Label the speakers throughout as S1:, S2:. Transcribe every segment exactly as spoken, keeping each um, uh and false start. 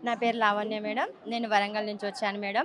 S1: నా పేరు లావణ్య మేడం. నేను వరంగల్ నుంచి వచ్చాను మేడం.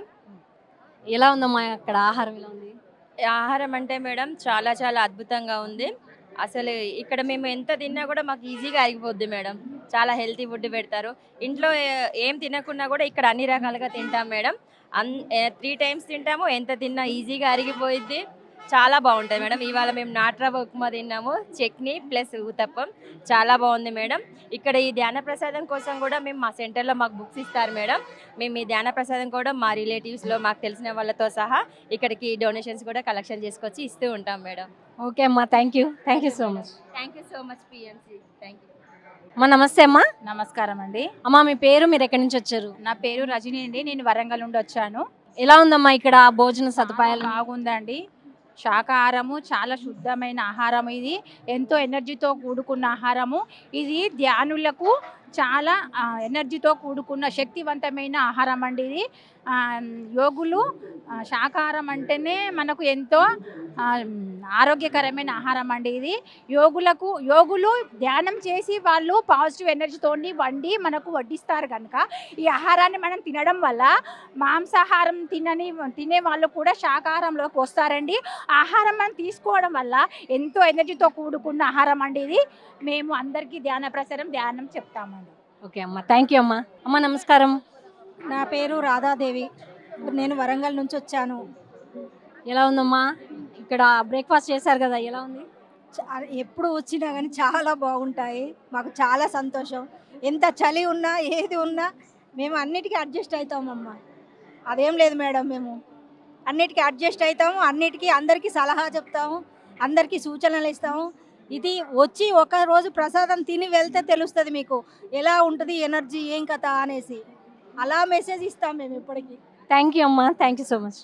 S2: ఎలా ఉందమ్మా అక్కడ ఆహారం ఎలా ఉంది?
S1: ఆహారం అంటే మేడం చాలా చాలా అద్భుతంగా ఉంది. అసలు ఇక్కడ మేము ఎంత తిన్నా కూడా మాకు ఈజీగా అరిగిపోద్ది మేడం. చాలా హెల్తీ ఫుడ్ పెడతారు. ఇంట్లో ఏ ఏం తినకున్నా కూడా ఇక్కడ అన్ని రకాలుగా తింటాం మేడం. అన్ ఏ మూడు టైమ్స్ తింటాము. ఎంత తిన్నా ఈజీగా అరిగిపోయిద్ది. చాలా బాగుంటుంది మేడం. ఇవాళ మేము నాటురవ్వ ఉప్మా తిన్నాము. చట్నీ ప్లస్ ఊతప్పం చాలా బాగుంది మేడం. ఇక్కడ ఈ ధ్యాన ప్రసాదం కోసం కూడా మేము మా సెంటర్లో మాకు బుక్స్ ఇస్తారు మేడం. మేము ఈ ధ్యాన ప్రసాదం కూడా మా రిలేటివ్స్లో మాకు తెలిసిన వాళ్ళతో సహా ఇక్కడికి డొనేషన్స్ కూడా కలెక్షన్ చేసుకొచ్చి ఇస్తూ ఉంటాం మేడం.
S2: ఓకే అమ్మా, thank you thank you so much.
S1: Thank you so much PMC. Thank you.
S2: అమ్మా నమస్తే అమ్మా.
S3: నమస్కారం అండి.
S2: అమ్మా మీ పేరు, మీరు ఎక్కడి నుంచి వచ్చారు?
S3: నా పేరు రజని అండి. నేను వరంగల్ నుండి వచ్చాను.
S2: ఎలా ఉందమ్మా ఇక్కడ భోజన సదుపాయాలు?
S3: బాగుందండి. శాకాహారము చాలా శుద్ధమైన ఆహారం. ఇది ఎంతో ఎనర్జీతో కూడుకున్న ఆహారము. ఇది ధ్యానులకు చాలా ఆ, ఎనర్జీతో కూడుకున్న శక్తివంతమైన ఆహారం అండి. ఇది ఆ, యోగులు ఆ, శాకాహారం అంటేనే మనకు ఎంతో ఆ, ఆరోగ్యకరమైన ఆహారం అండి. ఇది యోగులకు యోగులు ధ్యానం చేసి వాళ్ళు పాజిటివ్ ఎనర్జీతోని వండి మనకు వడ్డిస్తారు కనుక ఈ ఆహారాన్ని మనం తినడం వల్ల మాంసాహారం తినని తినే వాళ్ళు కూడా శాకాహారంలోకి వస్తారండి. ఆహారం మనం తీసుకోవడం వల్ల ఎంతో ఎనర్జీతో కూడుకున్న ఆహారం అండి ఇది. మేము అందరికీ ధ్యాన ప్రసారం ధ్యానం చెప్తామండి.
S2: ఓకే అమ్మా, థ్యాంక్ యూ అమ్మా. అమ్మా నమస్కారం.
S4: నా పేరు రాధాదేవి. నేను వరంగల్ నుంచి వచ్చాను.
S2: ఎలా ఉందమ్మా ఇక్కడ బ్రేక్ఫాస్ట్ చేశారు కదా, ఎలా ఉంది?
S4: చా- ఎప్పుడు వచ్చినా కానీ చాలా బాగుంటాయి. మాకు చాలా సంతోషం. ఎంత చలి ఉన్నా ఏది ఉన్నా మేము అన్నిటికీ అడ్జస్ట్ అవుతామమ్మా. అదేం లేదు మేడం, మేము అన్నిటికీ అడ్జస్ట్ అవుతాము. అన్నిటికీ అందరికీ సలహా చెప్తాము, అందరికీ సూచనలు ఇస్తాము. ఇది వచ్చి ఒక రోజు ప్రసాదం తిని వెళ్తే తెలుస్తుంది మీకు ఎలా ఉంటుంది ఎనర్జీ ఏం కథ అనేసి. అలా మెసేజ్ ఇస్తాం మేము ఇప్పటికీ.
S2: థ్యాంక్ యూ అమ్మా, థ్యాంక్ యూ సో మచ్.